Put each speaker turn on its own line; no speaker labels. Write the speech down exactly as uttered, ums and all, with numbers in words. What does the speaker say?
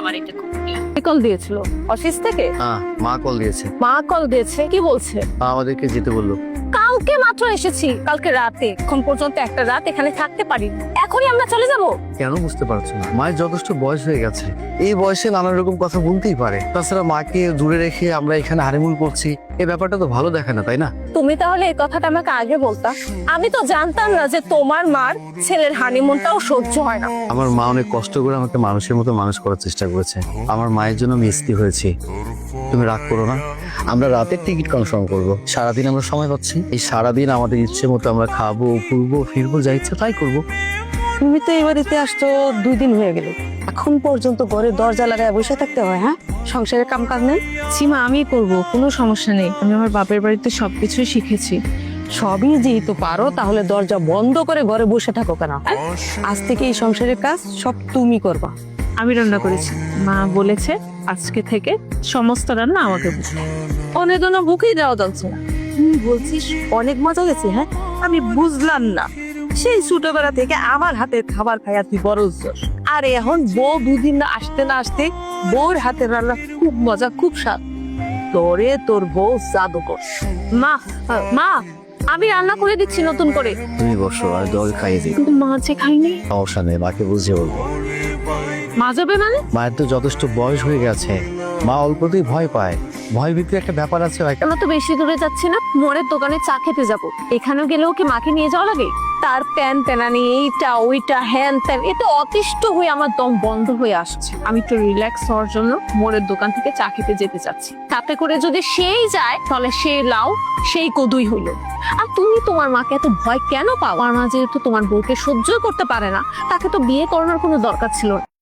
আমার এটা খুব প্রিয়। কল দিয়েছিল অফিস থেকে?
হ্যাঁ, মা কল দিয়েছে।
মা কল দিয়েছে, কি বলছে?
মা আমাদেরকে যেতে বললো।
কালকে মাত্র এসেছি, কালকে রাতে, এখন পর্যন্ত একটা রাত এখানে থাকতে পারি, এখনই আমরা চলে যাব?
কেন বুঝতে পারছো না? মায়ের যথেষ্ট বয়স হয়ে গেছে, এই বয়সে নানা রকম কথা বলতেই পারে। তাছাড়া মাকে দূরে রেখে আমরা এখানে হানিমুন করছি, এই ব্যাপারটা তো ভালো দেখে না, তাই না?
তুমি তাহলে এই কথাটা আমাকে আগে বলতা, আমি তো জানতাম না যে তোমার মার ছেলের হানিমুনটাও সহ্য হয় না।
আমার মা অনেক কষ্ট করে আমাকে মানুষের মতো মানুষ করার চেষ্টা করেছে। আমার মায়ের জন্য আমি স্ত্রী হয়েছি। তুমি রাগ করো না, আমরা রাতের টিকিট কনফার্ম করবো। সারাদিন আমরা সময় পাচ্ছি, এই সারাদিন আমাদের ইচ্ছে মতো আমরা খাবো, ঘুরবো, ফিরবো, যা ইচ্ছে তাই করবো।
তুমি তো এই বাড়িতে আসছো দুই দিন হয়ে গেল, এখন পর্যন্ত ঘরে দরজা লাগায় বসে থাকতে হয়? হ্যাঁ, সংসারের কাম কাজ নেই?
সীমা আমি করব, কোনো সমস্যা নেই, আমি আমার বাপের বাড়িতে সবকিছুই শিখেছি।
সবই যেহেতু পারো, তাহলে দরজা বন্ধ করে ঘরে বসে থাকো কেন? আজ থেকে এই সংসারের কাজ সব তুমি করবা।
আমি রান্না করেছি, মা বলেছে আজকে থেকে সমস্ত রান্না আমাকে বুঝতে। অনেক জন্য বুকেই দেওয়া যাচ্ছে না।
তুমি বলছিস অনেক মজা গেছে? হ্যাঁ, আমি বুঝলাম না, সেই ছোটবেলা থেকে আমার হাতের খাবার খাইয়া তুই বড় হচ্ছস, আর এখন বউ দুদিন না আসতে না আসতে বউর হাতের রান্না খুব মজা, খুব স্বাদ। তোরে তোর বউ জাদুকর।
মা, মা আমি রান্না করে দিচ্ছি নতুন করে।
তুমি বসো, আর দল খাইয়ে দিই।
কিন্তু মা যে খাইনি।
সমস্যা নেই, মাকে বুঝিয়ে বলবো।
মা যাবে মানে?
মায়ের তো যথেষ্ট বয়স হয়ে গেছে, মা অল্পতেই ভয় পায়। ভয় ভিতরে একটা ব্যাপার আছে।
আমরা তো বেশি দূরে যাচ্ছি না, মোড়ের দোকানে চা খেতে যাব। এখানেও গেলেও কি মাকে নিয়ে যাওয়া লাগে? তার প্যান প্যানানি, এইটা ওইটা হ্যান ত্যান, এতে অতিষ্ঠ হয়ে আমার দম বন্ধ হয়ে আসছে। আমি একটু রিল্যাক্স হওয়ার জন্য মোড়ের দোকান থেকে চা খেতে যেতে চাচ্ছি। তাতে করে যদি সেই যায়, তাহলে সে লাও সেই কদুই হইল। আর তুমি তোমার মাকে এত ভয় কেন পাও? আমার মা যেহেতু তোমার বউকে সহ্য করতে পারে না, তাকে তো বিয়ে করানোর কোনো দরকার ছিল না।